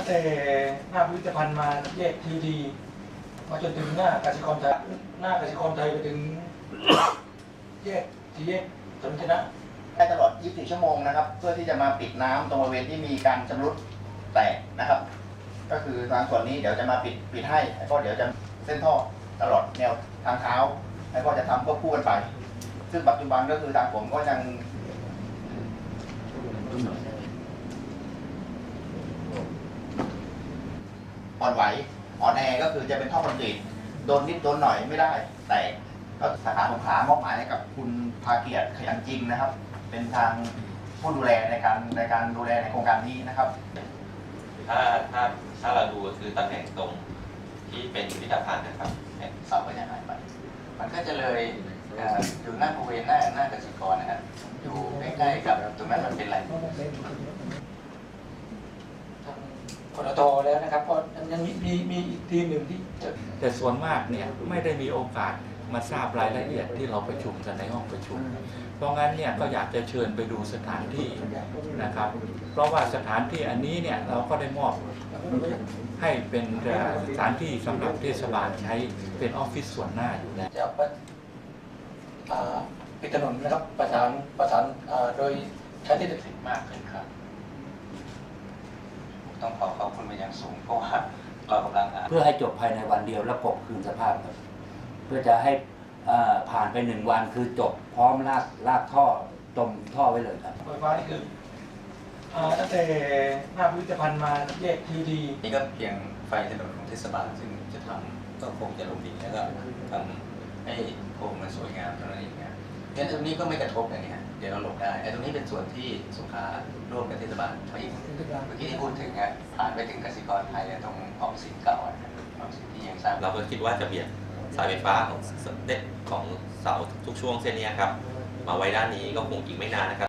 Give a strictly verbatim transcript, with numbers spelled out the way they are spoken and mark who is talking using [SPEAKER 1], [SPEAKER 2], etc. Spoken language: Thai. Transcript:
[SPEAKER 1] งแต่หน้าพิพิธภัณฑ์มาแยกทีดีมาจนถึงหน้ากสิกรไทยหน้ากสิกรไทยไปถึงแยกที่แยกสมชนะ
[SPEAKER 2] ได้ตลอดยี่สิบสี่ชั่วโมงนะครับเพื่อที่จะมาปิดน้ำตรงบริเวณที่มีการชำรุดแตกนะครับก็คือทางส่วนนี้เดี๋ยวจะมาปิดปิดให้แล้วก็เดี๋ยวจะเส้นท่อตลอดแนวทางเท้าแล้วก็จะทำควบคู่กันไปซึ่งปัจจุบันก็คือทางผมก็ยังอ่อนไหวอ่อนแอก็คือจะเป็นท่อคอนกรีตโดนนิดโดนหน่อยไม่ได้แต่ก็สาขาสงขลามอบหมายให้กับคุณภาเกียรติขยันจริงนะครับเป็นทางผู้ดูแลในการในการดูแลในโครงการนี้นะครับ
[SPEAKER 3] ถ้าถ้าถ้าเราดูคือตำแหน่งตรงที่เป็นพิพิธภัณฑ์นะครับ
[SPEAKER 2] เสาก็จะหายไปมันก็จะเลยอยู่หน้าบริเวณหน้าหน้ากสิกรนะครับอยู่ใกล้ๆกับตรงนั้นมันเป็นไร
[SPEAKER 1] กรทแล้วนะครับเพราะยังมีมีมีอีกทีมหนึ่งที่จะ
[SPEAKER 4] แต่ส่วนมากเนี่ยไม่ได้มีโอกาสมาทราบรายละเอียดที่เราประชุมกันในห้องประชุมเพราะงั้นเนี่ยก็อยากจะเชิญไปดูสถานที่นะครับเพราะว่าสถานที่อันนี้เนี่ยเราก็ได้มอบให้เป็นสถานที่สำหรับเทศบาลใช้เป็นออฟฟิศส่วนหน้าอยู่แล้ว
[SPEAKER 1] จะปิดถนนนะครับประสานประสานโดยใช้ที่ดิน
[SPEAKER 2] มากขึ้นครับต้องขอขอบคุณเป็นอย่างสูงเพราะว่าเรากำลัง
[SPEAKER 5] เพื่อให้จบภายในวันเดียวแล้วกบคืนสภาพครับเพื่อจะให้ผ่านไปหนึ่งวันคือจบพร้อมลากลากท่อจมท่อไว้เลยครับ
[SPEAKER 1] ไฟฟ้านี่คือตั้งแต่หน้าพิพิธภัณฑ์มาแยกทีดี
[SPEAKER 2] นี่ก็เพียงไฟถนนของเทศบาลซึ่งจะทำก็คงจะลงดินแล้วก็ทำให้โครงมันสวยงามเท่านั้นเองนะงั้นตรงนี้ก็ไม่กระทบอย่างนี้เดี๋ยวเราหลบได้ไอ้ตรงนี้เป็นส่วนที่สงขลาร่วมกับเทศบาลไปอีกเมื่อกี้ที่พูดถึงอ่ะผ่านไปถึงกสิกรไทยตรงออมสินเก่าออมสินที่ยังสร้าง
[SPEAKER 3] เราก็คิดว่าจะเบียดสายไฟฟ้าของเด็ดของเสาทุกช่วงเส้นนี้ครับมาไว้ด้านนี้ก็คงอีกไม่นานนะครับ